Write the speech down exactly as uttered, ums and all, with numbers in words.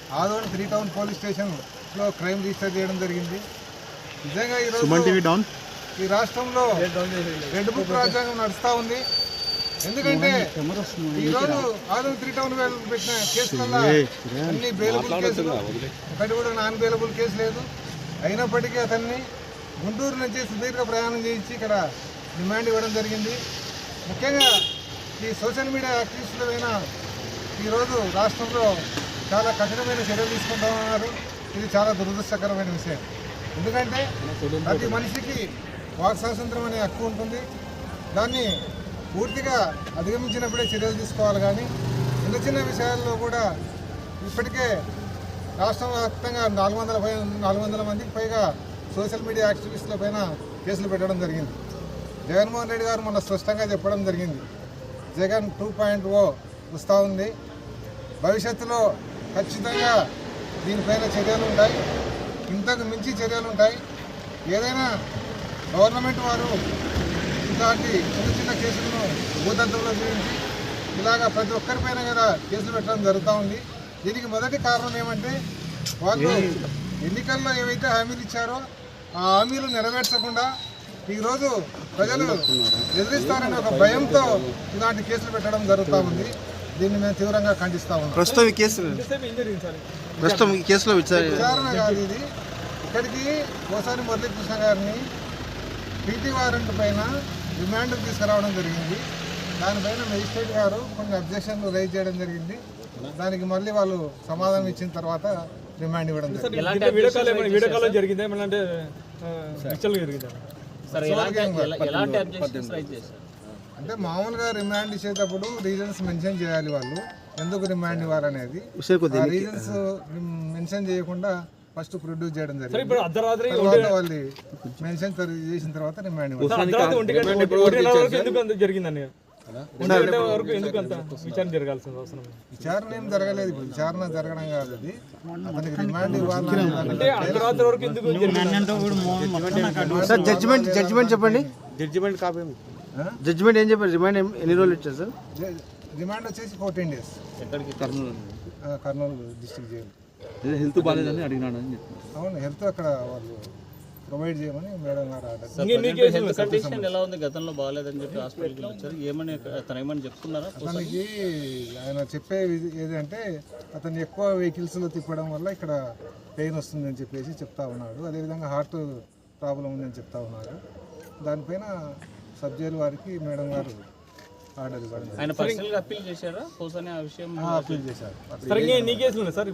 Adoni three town police స్టేషన్లో crime register చేయడం జరిగింది. నిజంగా ఈరోజు ఈ రాష్ట్రంలో రెడ్ బుక్ రాజ్యాంగం నడుస్తూ ఉంది. ఎందుకంటే ఈరోజు ఆదోని త్రీ టౌన్ పెట్టిన కేసులలో అన్ని బెయిలబుల్ కేసులు, ఒకటి కూడా నాన్ బెయిలబుల్ కేసు లేదు. అయినప్పటికీ అతన్ని గుంటూరు నుంచి సుదీర్ఘ ప్రయాణం చేయించి ఇక్కడ డిమాండ్ ఇవ్వడం జరిగింది. ముఖ్యంగా ఈ సోషల్ మీడియా యాక్టివిస్టులైన ఈరోజు రాష్ట్రంలో చాలా కఠినమైన చర్యలు తీసుకుంటూ ఉన్నారు. ఇది చాలా దురదృష్టకరమైన విషయం. ఎందుకంటే ప్రతి మనిషికి వాక్ స్వాతంత్రం అనే హక్కు ఉంటుంది. దాన్ని పూర్తిగా అధిగమించినప్పుడే చర్యలు తీసుకోవాలి. కానీ చిన్న చిన్న విషయాల్లో కూడా ఇప్పటికే రాష్ట్ర వ్యాప్తంగా నాలుగు వందల పై నాలుగు వందల మందికి పైగా సోషల్ మీడియా యాక్టివిస్టుల పైన కేసులు పెట్టడం జరిగింది. జగన్మోహన్ రెడ్డి గారు మొన్న స్పష్టంగా చెప్పడం జరిగింది, జగన్ టూ పాయింట్ ఓ వస్తూ ఉంది, భవిష్యత్తులో ఖచ్చితంగా దీనిపైన చర్యలు ఉంటాయి, ఇంతకు మించి చర్యలు ఉంటాయి. ఏదైనా గవర్నమెంట్ వారు ఇలాంటి చిన్న చిన్న కేసులను భూతంత్రంలో చూపించి ఇలాగా ప్రతి ఒక్కరిపైన కూడా కేసులు పెట్టడం జరుగుతూ ఉంది. దీనికి మొదటి కారణం ఏమంటే వాళ్ళు ఎన్నికల్లో ఏవైతే హామీలు ఇచ్చారో ఆ హామీలు నెరవేర్చకుండా ఈరోజు ప్రజలు ఎదిరిస్తారనే ఒక భయంతో ఇలాంటి కేసులు పెట్టడం జరుగుతూ ఉంది. దీన్ని మేము తీవ్రంగా ఖండిస్తా ఉన్నాం. ప్రస్తుతం ఈ కేసు ప్రస్తుతం ఈ కేసులో విచారణ కాదు ఇది. ఇక్కడికి కోసాని మురళీకృష్ణ గారిని పీటీ వారెంట్ పైన రిమాండ్ తీసుకురావడం జరిగింది. దానిపైన మెజిస్ట్రేట్ గారు కొన్ని అబ్జెక్షన్లు రైజ్ చేయడం జరిగింది. దానికి మళ్ళీ వాళ్ళు సమాధానం ఇచ్చిన తర్వాత రిమాండ్ ఇవ్వడం అంటే మామూలుగా రిమాండ్ ఇచ్చేటప్పుడు రీజన్స్ మెన్షన్ చేయాలి. వాళ్ళు ఎందుకు రిమాండ్ ఇవ్వాలనేది రీజన్స్ మెన్షన్ చేయకుండా ఫస్ట్ ప్రొడ్యూస్ చేయడం జరిగింది. తర్వాత వాళ్ళు మెన్షన్ చేసిన తర్వాత రిమాండ్ విచారణ ఏం జరగలేదు. విచారణ జరగడం కాదు, అది అతనికి రిమాండ్ ఇవ్వాలి. జడ్జిమెంట్ జడ్జిమెంట్ చెప్పండి. జడ్జిమెంట్ కాపీ జడ్జిమెంట్ ఏం చెప్పారు? రిమాండ్ ఎన్ని రోజులు ఇచ్చారు సార్? రిమాండ్ వచ్చేసి fourteen days Kurnool district jail. Health బాగాలేదని అడిగినాడు అని చెప్పి. అవును, హెల్త్ అక్కడ వాళ్ళు ప్రొవైడ్ చేయమని మేడం గారు ఆర్డర్. ఎలా ఉంది? గతంలో బాగాలేదని చెప్పి హాస్పిటల్కి వచ్చారు, ఏమని తను ఏమని చెప్తున్నారా? అతనికి ఆయన చెప్పే ఏదంటే అతను ఎక్కువ వెహికల్స్లో తిప్పడం వల్ల ఇక్కడ పెయిన్ వస్తుందని చెప్పేసి చెప్తా ఉన్నాడు. అదేవిధంగా హార్ట్ ప్రాబ్లం ఉందని చెప్తా ఉన్నారు. దానిపైన సబ్ జైలు వారికి మేడం గారు ఆర్డర్ ఇవ్వడం. ఆయన పర్సనల్గా అప్పీల్ చేశారా? ఆ విషయం అప్పీల్ చేశారు.